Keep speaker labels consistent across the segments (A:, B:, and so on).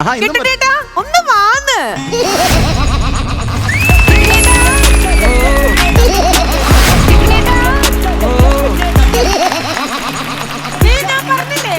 A: കിട്ടണേട്ടാ ഒന്ന് വാന്ന്. ഞാൻ പറഞ്ഞില്ലേ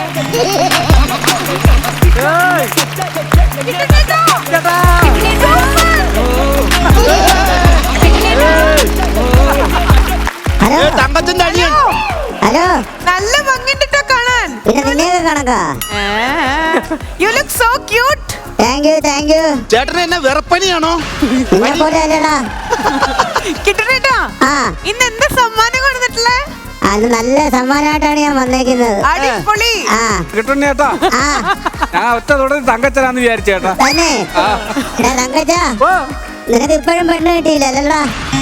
B: ഹലോ,
A: നല്ല ഭംഗിട്ടോ കാണാൻ.
B: പിന്നെ നിന്നെയൊക്കെ കണക്കാ.
A: You look so cute.
B: Thank you thank you.
C: ചേട്ടന് എന്നെ വെറപ്പനിയാണോ?
B: നിന്നെ പോലെ അല്ലടാ.
A: കിട്ടണേട്ടാ ഇന്ന് എന്താ സമ്മാനം കൊടുത്തിട്ടുള്ളേ?
B: അത് നല്ല സമ്മാനമായിട്ടാണ് ഞാൻ വന്നേക്കുന്നത്.
A: അടിപൊളി.
D: കിട്ടുണ്ണേട്ടാ, ഞാൻ ഒറ്റ തുടങ്ങി തങ്കച്ചനാന്ന് വിചാരിച്ചേട്ടാ.
B: തന്നെ തങ്കച്ച, നിനക്ക് ഇപ്പോഴും പെണ്ണ് കിട്ടിയില്ലല്ലോടാ.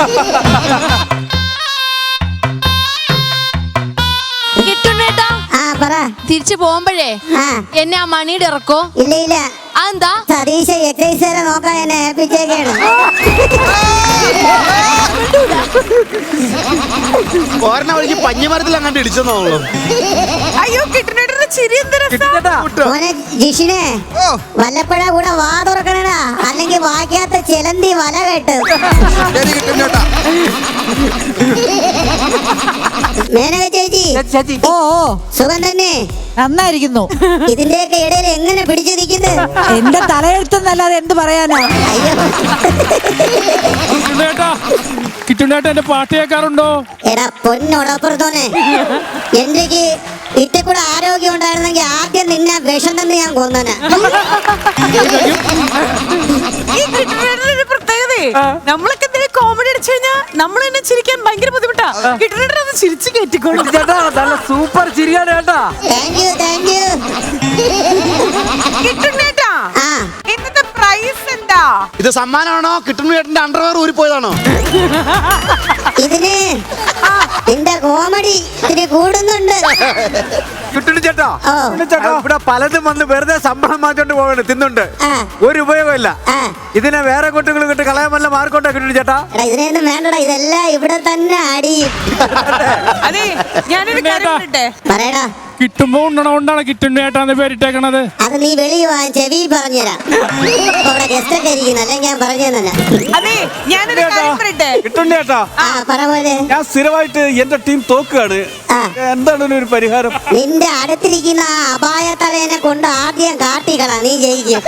E: തിരിച്ചു പോകുമ്പോഴേ എന്നെ ആ മണിയുടെ ഇറക്കോ?
B: ഇല്ല ഇല്ല.
E: അതെന്താ?
B: സതീശ എക്സൈസുകാരെ നോക്കാൻ എന്നെ ഏൽപ്പിച്ചേക്കാണ്.
C: പോരണ വഴിക്ക് പഞ്ഞിമരത്തിൽ അങ്ങോട്ട് ഇടിച്ചെന്നോളൂ.
A: അയ്യോ കിട്ടണേട്ടന്റെ ചിരി
B: മോനെ ജിഷിനെ, വല്ലപ്പോഴ കൂടെ വാ തുറക്കണടാ, അല്ലെങ്കിൽ വായിക്കാത്ത ചിലന്തി വല കേട്ട്. മേനക ചേച്ചി,
F: ഓ
B: സുഖം തന്നെ?
F: നന്നായിരിക്കുന്നു.
B: ഇതിന്റെയൊക്കെ ഇടയിൽ എങ്ങനെ പിടിച്ചു നിൽക്കുന്നത്?
F: എന്റെ തലയെഴുത്തെന്നല്ലാതെ എന്ത് പറയാനാ?
D: കിട്ടുണ്ണേട്ടാ, എന്റെ പാട്ട് കേൾക്കാറുണ്ടോ?
B: എടാ പൊന്നോടപ്പുറത്തോനെ, എനിക്ക് ഇത്തെ കൂടെ ആരോഗ്യം ഉണ്ടായിരുന്നെങ്കിൽ ആദ്യം നിന്നെ വിഷം തന്നെ ഞാൻ കൊന്നനെ.
A: നമ്മളൊക്കെ എന്തെങ്കിലും കോമഡി അടിച്ചു കഴിഞ്ഞാൽ നമ്മൾ തന്നെ ചിരിക്കാൻ ഭയങ്കര ബുദ്ധിമുട്ടാ. കിട്ടണേട്ടൻ അത് ചിരിച്ചു കയറ്റിക്കോളൂ.
D: നല്ല സൂപ്പർ ചിരിയാണ് കേട്ടാ.
B: Thank you thank you.
A: കിട്ടണേട്ടാ ഇന്നത്തെ പ്രൈസ് എന്താ?
C: ഇത് സമ്മാനമാണോ? കിട്ടുന്ന ചേട്ടന്റെ അണ്ടർവെയർ ഊരിപ്പോയതാണോ?
B: ഇതിന് നിന്റെ കോമഡി ഇതിന് കൂടുന്നുണ്ട്.
D: കിട്ടുണ്ണേട്ടാ, ഇവിടെ പലതും വന്ന് വെറുതെ ശമ്പളം മാറ്റോണ്ട് പോകണ്ട തിന്നുണ്ട്. ഒരു ഉപയോഗമില്ല. ഇതിനെ വേറെ കുട്ടികൾ കിട്ടി കളയാൻ വല്ല മാർക്കോട്ടാ കിട്ടുണ്ണേട്ടാ.
B: ഇതിനൊന്നും വേണ്ടടാ, ഇതെല്ലാം ഇവിടെ തന്നെ അടിയും.
A: അതെ, ഞാനൊരു കാര്യം
B: പറയടാ.
D: കിട്ടുമ്പോ ഉണ്ടണോണ്ടാണ് കിട്ടുണ്ണേട്ടാന്ന് പേരിട്ടേക്കണത്.
B: അത് നീ വെളിയിൽ വാ, ചെവി പറഞ്ഞുതരാം. അവിടെ ഗസ്റ്റ് ഒക്കെ ഇരിക്കുന്നു, അല്ലെങ്കിൽ ഞാൻ പറഞ്ഞു തന്നെ.
A: അതെ, ഞാനൊരു കാര്യം പറയട്ടെ.
D: കിട്ടുണ്ണേട്ടാ,
B: പറ പോലെ.
D: ഞാൻ സ്ഥിരമായിട്ട് എന്റെ ടീം തോക്കുകയാണ്. എന്താണ് ഒരു പരിഹാരം?
B: നിന്റെ അടുത്തിരിക്കുന്ന ആ അപായ തലേനെ കൊണ്ട് ആദ്യം കാട്ടിക്കളാ, നീ ജയിക്കും.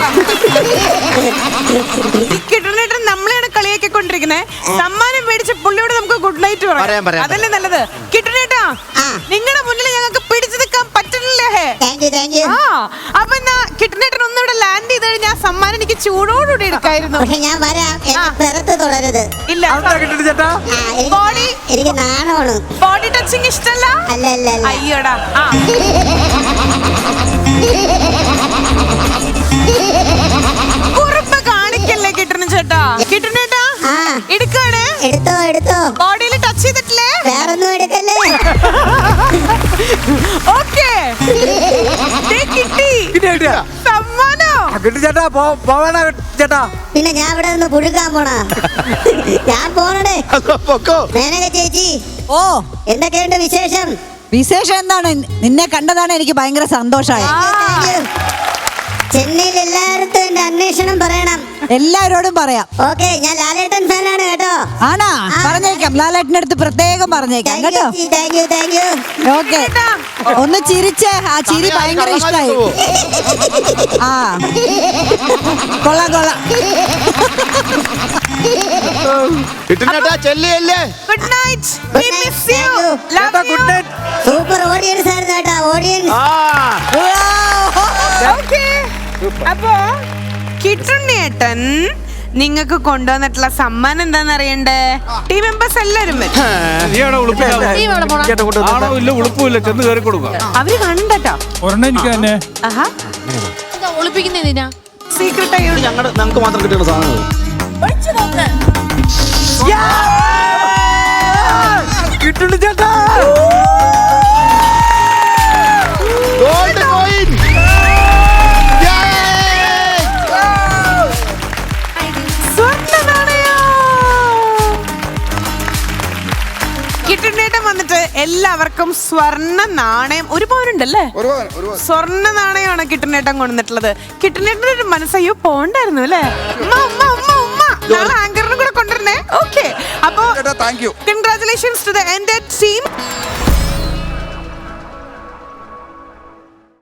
A: കിട്ടുണ്ണേട്ടൻ നമ്മളെയാണ് കളിയാക്കി കൊണ്ടിരിക്കുന്നത്. സമ്മാനം മേടിച്ച പുള്ളിയോട് നമുക്ക് ഗുഡ് നൈറ്റ് പറയാം. അതല്ലേ നല്ലത്. കിട്ടുണ്ണേട്ടാ, നിങ്ങളുടെ മുന്നിൽ ഞങ്ങൾക്ക് പിടിച്ചു നിൽക്കാൻ പറ്റുന്നില്ലേ? അപ്പൊ എന്നാ കിട്ടുണ്ണേട്ടൻ ഒന്നിവിടെ ലാൻഡ് ചെയ്ത് കഴിഞ്ഞാൽ സമ്മാനം എനിക്ക് ചൂടോടുകൂടി എടുക്കായിരുന്നു.
B: പക്ഷെ ഞാൻ വരാം, പുറത്ത് തുടരുത്.
A: ഇല്ല, ബോഡി
B: എനിക്ക് നാണമാണ്.
A: ബോഡി ടച്ചിങ് ഇഷ്ടല്ല.
B: അല്ല അല്ല അല്ല.
A: അയ്യോടാ. കുറുമ്പ് കാണിക്കല്ലേ കിട്ടണ ചേട്ടാ. കിട്ടണേട്ടാ എടുക്കാണ്.
B: എടുത്തോ എടുത്തോ.
A: ബോഡിയിൽ ടച്ച് ചെയ്തിട്ടില്ലേ?
B: വേറൊന്നും എടുക്കല്ലേ.
A: ഓക്കേ, കിട്ടി സമ്മാനോ.
D: ചേട്ടാ പോവാനാ ചേട്ടാ.
B: പിന്നെ ഞാൻ ഇവിടെ നിന്ന് പുഴുക്കാൻ പോണാ? ഞാൻ പോണേ. മേനക ചേച്ചി,
F: ഓ
B: എന്തൊക്കെയുണ്ട് വിശേഷം?
F: വിശേഷം എന്താണ്? നിന്നെ കണ്ടതാണ് എനിക്ക് ഭയങ്കര സന്തോഷമായി.
B: ചെന്നൈയിൽ എല്ലായിടത്തും എന്റെ അന്വേഷണം പറയണം.
F: എല്ലാവരോടും പറയാം.
B: ഓക്കെ, ഞാൻ ലാലേട്ടൻ ഫാനാണ് കേട്ടോ.
F: ആണാ? പറഞ്ഞേക്കാം, ലാലേട്ടന്റെ അടുത്ത് പ്രത്യേകം പറഞ്ഞേക്കാം കേട്ടോ.
B: Thank you thank you.
F: Okay, ഒന്ന് ചിരിച്ചേ. ആ ചിരി ഭയങ്കര ഇഷ്ടായി. ആ കൊള്ളാം കൊള്ളാം.
A: Good night. We miss you. Love you.
B: Super audience ആയിരുന്നു കേട്ടോ, ഓഡിയൻസ്.
A: അപ്പോ കിട്ടുണ്ണേട്ടൻ നിങ്ങൾക്ക് കൊണ്ടുവന്നിട്ടുള്ള സമ്മാനം എന്താന്ന് അറിയണ്ടേ? ടീം മെമ്പേഴ്സ് എല്ലാരും അവര് കണ്ടോ?
E: ഒളിപ്പിക്കുന്നതിനാ
A: സീക്രട്ട് ആയി
C: ഞങ്ങൾക്ക് മാത്രം കിട്ടുന്ന സാധനങ്ങൾ.
D: കിട്ടുണ്ണി ചേട്ടാ,
C: ഗോൾഡ് കോയിൻ.
A: കിട്ടുണ്ണേട്ടൻ വന്നിട്ട് എല്ലാ എല്ലാവർക്കും സ്വർണ്ണ നാണയം ഒരു പവനുണ്ടല്ലേ? സ്വർണ്ണ നാണയമാണ് കിട്ടനേട്ടൻ കൊണ്ടുവന്നിട്ടുള്ളത്. കിട്ടനേട്ടൻ്റെ ഒരു മനസ്സയ്യോ പോണ്ടായിരുന്നു അല്ലേ? നാളെ ആങ്കറിനും കൂടെ കൊണ്ടുവരണേ. ഓക്കെ, അപ്പോ congratulations to the entire team.